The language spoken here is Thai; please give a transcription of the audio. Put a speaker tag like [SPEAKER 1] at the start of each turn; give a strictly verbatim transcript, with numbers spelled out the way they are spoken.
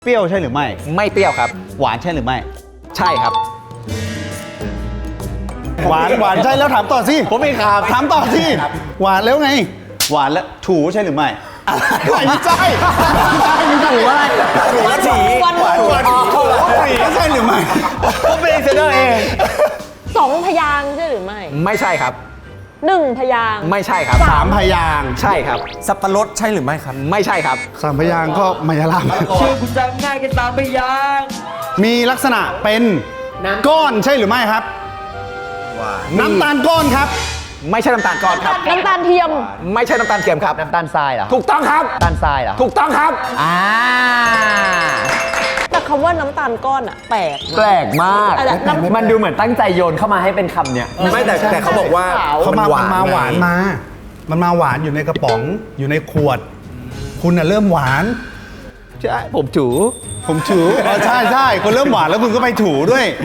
[SPEAKER 1] เปรี้ยวใช่หรือไม่
[SPEAKER 2] ไม่เปรี้ยวครับ
[SPEAKER 1] หวานใช่หรือไม่
[SPEAKER 2] ใช่ครับ
[SPEAKER 1] หวานหวานใช่แล้วถามต่อสิผมไม่ครับถามต่อสิหวานแล้วไงหวานแล้วถูใช่หรือไม่ไม่ใช่ไม่ใช่ไม่ถูอะไรถูว่าถีวันหวานหวานถีใช่หรือไม่ผมเป็นเซนเตอร์เอง
[SPEAKER 3] สองพยางค์ใช่หรือไม่
[SPEAKER 2] ไม่ใช่ครับ
[SPEAKER 3] หนึ่งพยางค์
[SPEAKER 2] ไม่ใช่ครับ
[SPEAKER 1] สามพยางค์
[SPEAKER 2] ใช่ครับ
[SPEAKER 4] สับปะรดใช่หรือไม่ครับ
[SPEAKER 2] ไม่ใช่ครับ
[SPEAKER 1] สามพยางค์ก็มายาลาม
[SPEAKER 5] ชื่อคุณจำง่ายแค่สามพยางค์
[SPEAKER 1] มีลักษณะเป็นก้อนใช่หรือไม่ครับน้ำตาลก้อนครับ
[SPEAKER 2] ไม่ใช่น้ำตาลก้อนครับ
[SPEAKER 3] น้ำตาลเทียม
[SPEAKER 2] ไม่ใช่น้ำตาลเทียมครับ
[SPEAKER 4] น้ำตาลทรายเหรอ
[SPEAKER 2] ถูกต้องครับ
[SPEAKER 4] น้ำตาลทรายเหรอ
[SPEAKER 2] ถูกต้องครับ
[SPEAKER 4] อ่า
[SPEAKER 3] แต่คำว่าน้ำตาลก้อนอะแปลก
[SPEAKER 4] แปลกมาก
[SPEAKER 3] แต่น้ำ
[SPEAKER 4] มันดูเหมือนตั้งใจโยนเข้ามาให้เป็นคำเนี้ยไม่แต่แต่เขาบอกว่า
[SPEAKER 1] เขามามันมาหวานมา มันมาหวานอยู่ในกระป๋องอยู่ในขวด คุณน่ะเริ่มหวาน
[SPEAKER 2] ใช่ผมจู๋
[SPEAKER 1] ผมถูอ๋อใช่ใช่คุณเริ่มหวานแล้วคุณก็ไปถูด้วย